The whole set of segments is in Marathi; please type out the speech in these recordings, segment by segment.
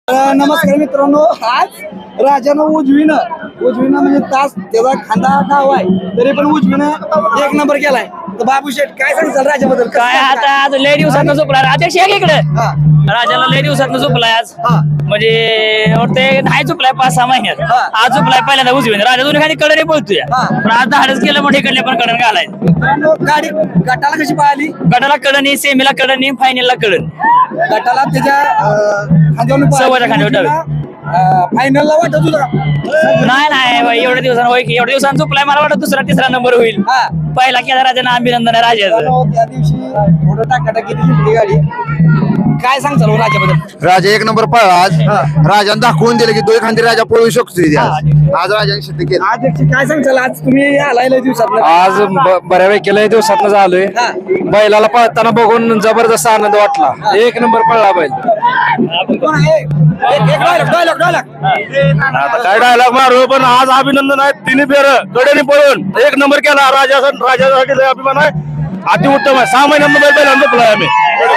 नमस्कार मित्रांनो, आज राजानं उजवीनं म्हणजे तास त्याचा खांदा डाव आहे तरी पण उजवीनं एक नंबर केलाय. तर बाबू शेठ काय सांगताल राजाबद्दल? काय आता आज लय दिवसात झोपला अध्यक्ष एक इकडे हा. राजाला लय दिवसात झोपलाय आज. हा. म्हणजे ते नाही झोपलाय 5-6 महिन्यात. हा. आज झोपलाय पहिल्यांदा उजवीने. राजा दोन्ही खाली कडे पोहतोय हा. पण आज धाडच केलं मोठे कडले पण कडन घालाय. मित्रांनो, गाडी गटाला कशी पाहिली? गटाला कडनी, सेमीला कडनी, फायनलला कडन. गटाला त्याच्या खांद्यावर सव्वाच्या खांद्यावर डावी. फायनलला वाटत होतं का? नाही बाई, एवढ्या दिवसानं होय की एवढ्या दिवसांनी झोपलाय. मला वाटत दुसरा तिसरा नंबर होईल. हा. पहिला केला राजानं अभिनंदन आहे राजाचं. मित्रांनो, त्या दिवशी थोडं टाकाटाकी दिली गाडी. काय सांगताल हो राजाबद्दल? राजा एक नंबर पळला आज. हा. राजाने दाखवून दिलं की दोन खांदी राजा पळू शकतो तिथे आज राजाने सिद्ध केलं. अध्यक्ष काय सांगताल? आज तुम्ही आलाय लय दिवसात. आज बऱ्यापैकी लय दिवसात झालोय. हा. बैलाला पळताना बघून जबरदस्त आनंद वाटला. एक नंबर पळला बैल. कोण आहे? डायलॉग आता काय डायलॉग मारू, पण आज अभिनंदन आहे. तिन्ही फेर कडेने पळून एक नंबर केला. राजासाठी लय अभिमान आहे. अति उत्तम आहे. 6 महिन्यांमध्ये बैलांना झोपलाय आम्ही.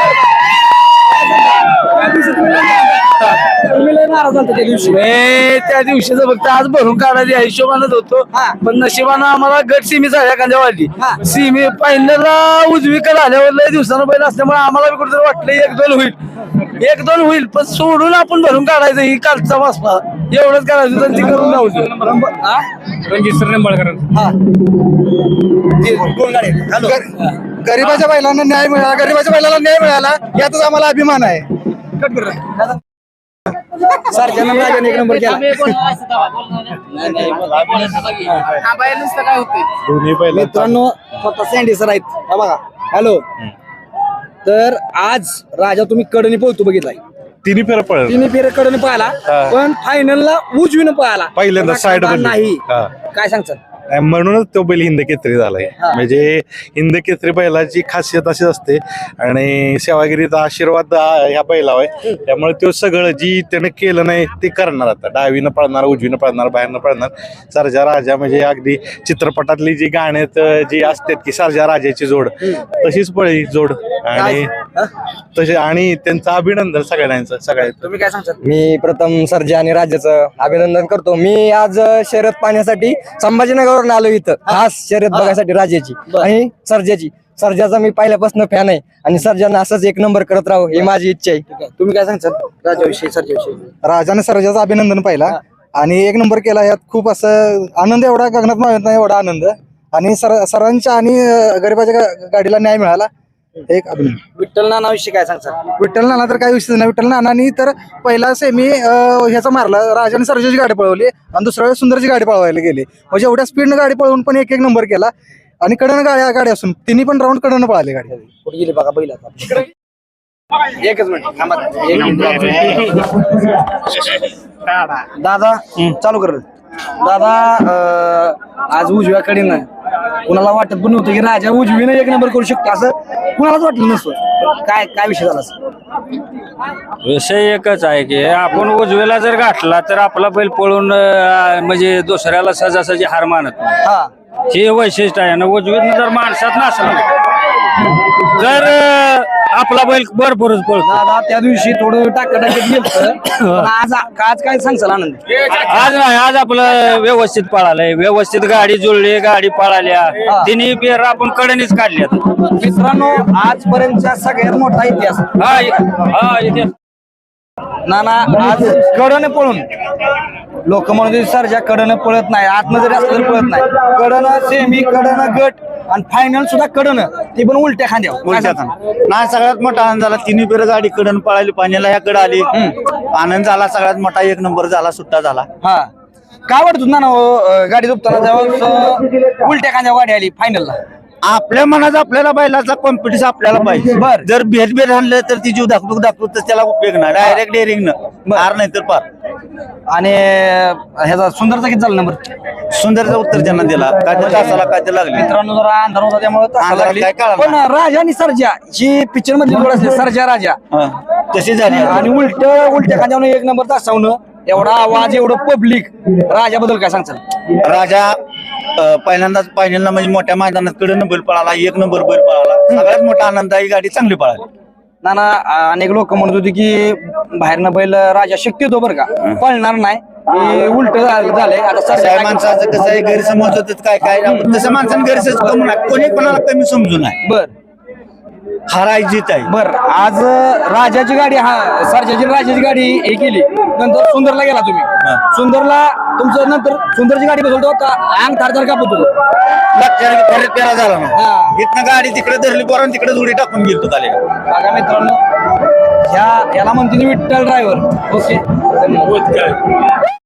तुम्ही लय नाराज झालता त्या दिवशी. त्या दिवशीच फक्त आज भरून काढायला हिशोबानच होतो. हा. पण नशिबानं आम्हाला गट सिमी झाल्या एखाद्या वाढली. हा. सिमी फायनलला उजवीकडे आल्यावर लय दिवसानं बैल असल्यामुळे आम्हाला बी कुठेतरी वाटलं 1-2 होईल. पण सोडून आपण भरून काढायचं ही कालचा वासपा एवढंच करायचं तर ती करून लावतो. रणजित सर निंबाळकर. हा. दोन गाडी. हॅलो. गरीबाच्या बैलांना न्याय मिळाला, गरीबाच्या बैलाला न्याय मिळाला यातच आम्हाला अभिमान आहे. कट कर रे. सर्जानं राजाने एक नंबर केला. मित्रांनो, स्वतः सँडी सर आहेत. हा बघा. हॅलो. तर आज राजा तुम्ही कडनी पोहतो बघितलाय. तिन्ही फेर पळलं तिन्ही फेर कडनी पाहिला पण फायनलला उजवीनं पाहिला. पहिल्यांदा साईड नाही. हा. काय सांगतात? म्हणूनच तो बैल हिंद केसरी झालाय. हा. म्हणजे हिंद केसरी बैलाची खासियत अशी असते आणि सेवागिरीचा आशीर्वाद ह्या बैलावर आहे. त्यामुळे तो सगळं जी त्याने केलं नाही ते करणार. आता डावीनं पळणार, उजवीनं पळणार, बाहेरनं पळणार. सर्जा राजा म्हणजे अगदी चित्रपटातली जी गाण्यात जी असतात की सर्जा राजाची जोड तशीच पळी जोड आणि तसे आणि त्यांचं अभिनंदन सगळ्यांचं. तुम्ही काय सांगतात? मी प्रथम सर्जा आणि राज्याचं अभिनंदन करतो. मी आज शर्यत पाहण्यासाठी संभाजीनगरवरून आलो इथं खास शर्यत बघायसाठी राजाची आणि सर्जाची. सर्जाचा मी पहिल्यापासून फॅन आहे आणि सर्जानं असंच एक नंबर करत राहू ही माझी इच्छा आहे. तुम्ही काय सांगतात राजाविषयी, सर्जाविषयी? राजाने सर्जाचं अभिनंदन पाहिला आणि एक नंबर केला. यात खूप असं आनंद, एवढा गगनात मावत नाही एवढा आनंद. आणि सरांच्या आणि गरीबाच्या गाडीला न्याय मिळाला. एक अभिनंदन. विठ्ठल नानाविषयी काय सांगतात? विठ्ठल नाना तर काही विषय नाही. विठ्ठल नानानी तर पहिला सेमी ह्याचा मारला, राजाने सर्जाची गाडी पळवली आणि दुसऱ्या वेळेस सुंदरची गाडी पळवायला गेली. म्हणजे एवढ्या स्पीडनं गाडी पळवून पण एक नंबर केला. आणि कडनं गाडी असून तिन्ही पण राऊंड कडनं पळाली गाडी. कुठे गेली बघा बैल आता. एकच मिनिट थांबा. दादा चालू कर. दादा आज उजव्या कडेनं कुणाला वाटत पण नव्हतं की राजा उजवीनं एक नंबर करू शकतो असं कुणालाच वाटलं नसतं. काय विषय झाला? विषय एकच आहे की आपण उजवेला जर गाठला तर आपला बैल पळून म्हणजे दुसऱ्याला सहजासहजी हार मानत नाही. हा. हे वैशिष्ट्य आहे ना. उजवीत जर माणसात नसलं तर आपला बैल भरपूरच पळतो. दादा त्या दिवशी थोडं टाकाटाकीत गेलं. आज काय सांगचाल आनंद? आज नाही, आज आपलं व्यवस्थित पळालंय. व्यवस्थित गाडी जुळली, गाडी पळाल्या. तिन्ही पेर आपण कडनीच काढल्या. मित्रांनो, आजपर्यंतचा सगळ्यात मोठा इतिहास. हा इथे नाना आज कडनं पळून लोक म्हणून सर्जा कडनं पळत नाही, आतनं जरी असलं तरी पळत नाही. कडनं सेमी, कडनं गट आणि फायनल सुद्धा कडनं, ते पण उलट्या खांद्यावर. नाही, सगळ्यात मोठा आनंद झाला. तिन्ही फेर गाडी कडन पळाली, पाण्याला ह्या कडे आली. आनंद झाला सगळ्यात मोठा. एक नंबर झाला, सुट्टा झाला. हा. काय वाटत ना गाडी झोपताना जेव्हा उलट्या खांद्यावर गाडी आली फायनलला? आपल्या मनाचा आपल्याला बैलाचा कॉम्पिटिशन आपल्याला पाहिजे. बर. जर भेद आणलं तर ती जीव दाखवू तर त्याला उपयोग नाही. डायरेक्ट डेअरिंग हार नाही तर पार. आणि ह्याचा सुंदरचा किती झाला नंबर? सुंदरचा उत्तर त्यांना दिला. काय तर तासाला काय तर लागले. मित्रांनो, जरा अंधार होता त्यामुळे तासाला अंधार लागली. काय कळलं पण राजा आणि सर्जा जी पिक्चर मधली जोड असते, सर्जा राजा तशी झाली. आणि उलट्या खांद्यावर एक नंबर तासावणं, एवढा आवाज, एवढं पब्लिक. राजाबद्दल काय सांगचाल? राजा पहिल्यांदाच फायनलला म्हणजे मोठ्या मैदानात कडे बैल पळाला. एक नंबर बैल पळाला. सगळ्यात मोठा आनंद आहे. गाडी चांगली पळाली. नाना अनेक लोक म्हणत होते की बाहेरनं बैल राजा शक्यतो बरं का पळणार नाही उलट झालंय आता कसं आहे सरजा माणसाचं कसं आहे गैरसमज होतात काय काय तसं माणसानं गैरसमज कमी नाही कोणी कोणाला कमी समजू नये बर हाराय जीत आहे बर आज राजाची गाडी सरजाची राजाची गाडी हे केली नंतर सुंदरला गेला तुम्ही सुंदरला तुमचं नंतर सुंदरची गाडी बसवतो अंग थारथार कापत होतो लक्षात परत पेरा झाला ना हा. इथनं गाडी तिकडे धरली पोरांनी तिकडे उडी टाकून गेलो आले बघा मित्रांनो याला म्हणते विठ्ठल ड्रायव्हर ओके